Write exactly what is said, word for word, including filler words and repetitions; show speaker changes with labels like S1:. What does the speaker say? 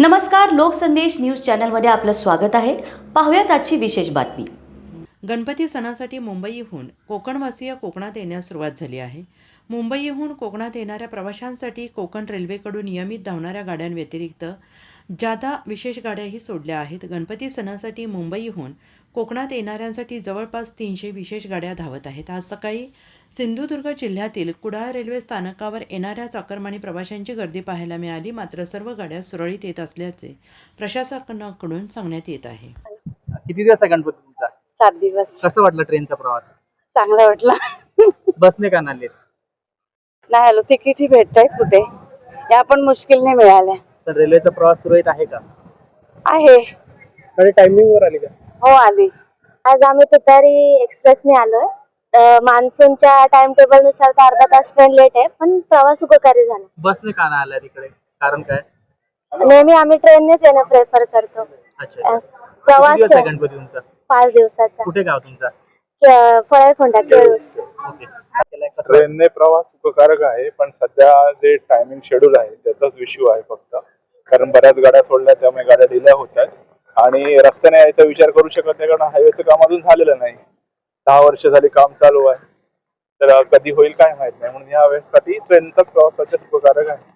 S1: नमस्कार, लोकसंदेश न्यूज चॅनलमध्ये आपलं स्वागत आहे. पाहूयात आजची विशेष बातमी.
S2: गणपती सणासाठी मुंबईहून कोकणवासीय कोकणात येण्यास सुरुवात झाली आहे. मुंबईहून कोकणात येणाऱ्या प्रवाशांसाठी कोकण रेल्वेकडून नियमित धावणाऱ्या गाड्यांव्यतिरिक्त जादा विशेष गाड्याही सोडल्या आहेत. गणपती सणासाठी मुंबईहून कोकणात येणाऱ्यांसाठी जवळपास तीनशे विशेष गाड्या धावत आहेत. आज सकाळी सिंधुदुर्ग जिल्ह्यातील कुडाळ रेल्वे स्थानकावर येणाऱ्या चाकरमानी प्रवाशांची गर्दी पाहायला मिळाली. मात्र सर्व गाड्या सुरळीत येत असल्याचे प्रशासनाकडून सांगण्यात येत आहे.
S3: किती दिवस आहे गणपती तुमचा?
S4: सात दिवस.
S3: कसं वाटलं ट्रेनचा प्रवास?
S4: चांगला वाटला.
S3: बसने का नाले?
S4: नाही आलो, तिकीटही भेटतायत कुठे, या पण मुश्किलने मिळाल्या.
S3: तर रेल्वेचा प्रवास सुरळीत आहे का?
S4: आहे.
S3: कडे टायमिंग वर आली का?
S4: हो आली. आज आम्ही तुतारी एक्सप्रेसने आलोय. मान्सूनच्या टाइम टेबल नुसार तर अर्धा तास ट्रेन लेट आहे, पण प्रवास उपकारी झाला.
S3: बसने का नाही आला तिकडे? कारण काय?
S4: नेहमी आम्ही ट्रेननेच येणं प्रेफर करतो.
S3: अच्छा.
S4: प्रवास
S3: किती दिवस आहे गणपती तुमचा?
S4: पाच दिवसाचा.
S3: कुठे गाव तुमचा?
S4: फळेखोंडा केळूस.
S3: ओके. कसं?
S5: ट्रेनने प्रवास उपकारक आहे, पण सध्या जे टायमिंग शेड्यूल आहे त्याचाच इश्यू आहे फक्त. कारण बऱ्याच गाड्या सोडल्या, त्यामुळे गाड्या डिले होत आहेत आणि रस्त्याने यायचा विचार करू शकत नाही, कारण हायवेचं काम अजून झालेलं नाही. दहा वर्ष झाली काम चालू आहे, तर कधी होईल काय माहित नाही. म्हणून या वेळेसाठी ट्रेनचाच प्रवासाचे उपकारक आहे.